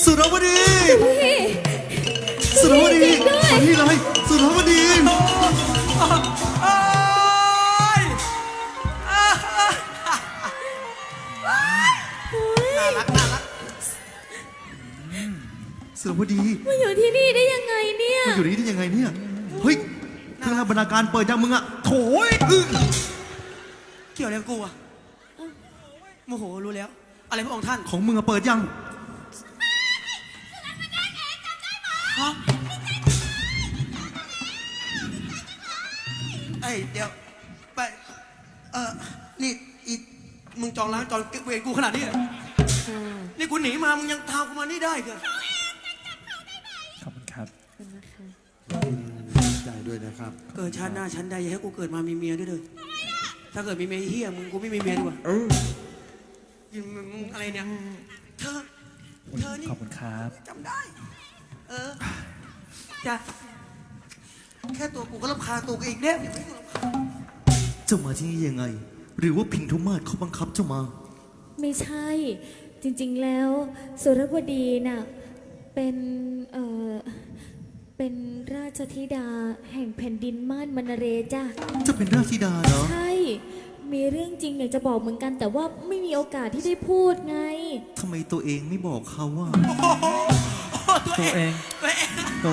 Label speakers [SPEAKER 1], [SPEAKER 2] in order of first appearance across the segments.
[SPEAKER 1] สุรวดีสุรวดีมาที่เลยสุรวดี
[SPEAKER 2] น่ารัก
[SPEAKER 1] สุรวดี
[SPEAKER 3] มาอยู่ที่นี่ได้ยังไงเนี่ย
[SPEAKER 1] มาอยู่นี่ได้ยังไงเนี่ยเฮ้ยเครื่องบรรณาการเปิดยังมึงอะโถย
[SPEAKER 2] เกี่ยวอะไรกับกูอะโมโหรู้แล้วอะไรพระองค์ท่าน
[SPEAKER 1] ของมึงอะเปิดยัง
[SPEAKER 2] ฮะเอ้ยเดี๋ยวไปนี่อีมึงจองร้านจองเวรกูขนาดนี้นี่กูหนีมามึงยังตามกูมานี่ได้เหรอ
[SPEAKER 4] ขอบคุณครับ
[SPEAKER 1] ใจด้วยนะครับ
[SPEAKER 2] เกิดชาติหน้าฉันใดอย่าให้กูเกิดมามีเมียด้วยเลยถ้าเกิดมีเมียเฮียมึงกูไม่มีเมียดีกว่ามึงอะไรเนี่ยเธอนี่
[SPEAKER 4] ขอบคุณครับ
[SPEAKER 2] จำได้จ้ะแค่ตัวกูก็รำคาญตัวกูเองเนี่ย
[SPEAKER 1] เจ้ามาที่นี่ยังไงหรือว่าพินทุมาศเขาบังคับเจ้ามา
[SPEAKER 3] ไม่ใช่จริงๆแล้วสุรวดีน่ะเป็นราชธิดาแห่งแผ่นดินม่านมนเรจ้ะ
[SPEAKER 1] จะเป็นราชธิดาเหรอ
[SPEAKER 3] ใช่มีเรื่องจริงอยากจะบอกเหมือนกันแต่ว่าไม่มีโอกาสที่ได้พูดไง
[SPEAKER 1] ทำไมตัวเองไม่บอกเขาว่า
[SPEAKER 4] ตัวเองเหรอ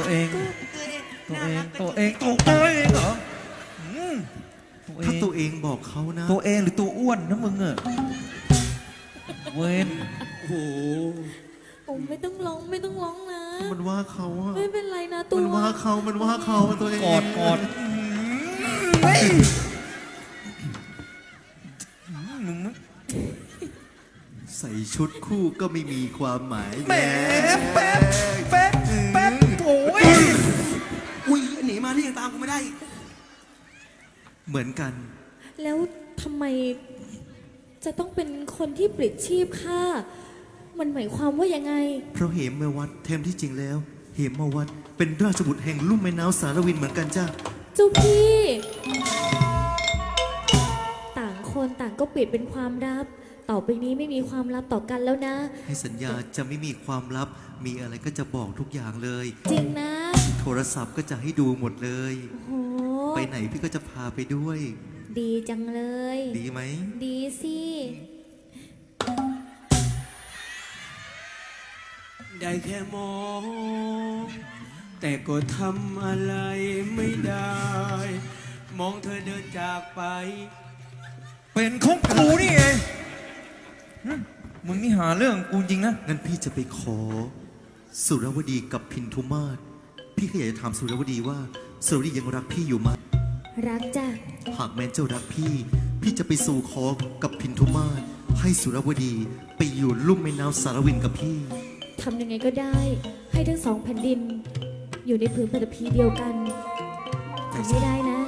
[SPEAKER 1] ถ้าตัวเองบอกเขานะ
[SPEAKER 4] ตัวเองหรือตัวอ้วนนะมึงอะเว้น
[SPEAKER 2] โอ้โห
[SPEAKER 3] ไม่ต้องร้องนะ
[SPEAKER 1] มันว่าเขาอะ
[SPEAKER 3] ไม่เป็นไรนะตัว
[SPEAKER 1] มันว่าเขาตัวเอง
[SPEAKER 4] กอด
[SPEAKER 1] ใส่ชุดคู่ก็ไม่มีความหมาย
[SPEAKER 4] แหมแป๊บโอ้ย
[SPEAKER 2] อุ้ยหนีมานี่ยังตามกูไม่ได้
[SPEAKER 1] เหมือนกัน
[SPEAKER 3] แล้วทำไมจะต้องเป็นคนที่ปลิดชีพข้ามันหมายความว่ายังไง
[SPEAKER 1] เพราะเหมมาวัดแทนที่จริงแล้วเหมมาวัดเป็นราชบุตรแห่งลุ่มแม่น้ำสารวินเหมือนกันจ้า
[SPEAKER 3] เจ้าพี่ต่างคนต่างก็ปิดเป็นความลับต่อไปนี้ไม่มีความลับต่อกันแล้วนะ
[SPEAKER 1] ให้สัญญาจะไม่มีความลับมีอะไรก็จะบอกทุกอย่างเลย
[SPEAKER 3] จริงนะ
[SPEAKER 1] โทรศัพท์ก็จะให้ดูหมดเลยไปไหนพี่ก็จะพาไปด้วย
[SPEAKER 3] ดีจังเลย
[SPEAKER 1] ดีไหม
[SPEAKER 3] ดีสิ
[SPEAKER 2] ได้แค่มองแต่ก็ทำอะไรไม่ได้มองเธอเดินจากไป
[SPEAKER 4] เป็นของกูนี่ไงมึงนี่หาเรื่องกูจริงนะ
[SPEAKER 1] งั้นพี่จะไปขอสุรวดีกับพินทุมาศพี่ก็อยากจะถามสุรวดีว่าสุรวดียังรักพี่อยู่ไหม
[SPEAKER 3] รักจ้ะ
[SPEAKER 1] หากแม้เจ้ารักพี่จะไปสู่ขอกับพินทุมาศให้สุรวดีไปอยู่ลุ่มแม่น้ำสารวินกับพี่
[SPEAKER 3] ทำยังไงก็ได้ให้ทั้งสองแผ่นดินอยู่ในผืนปฐพีเดียวกันทำไม่ได้นะ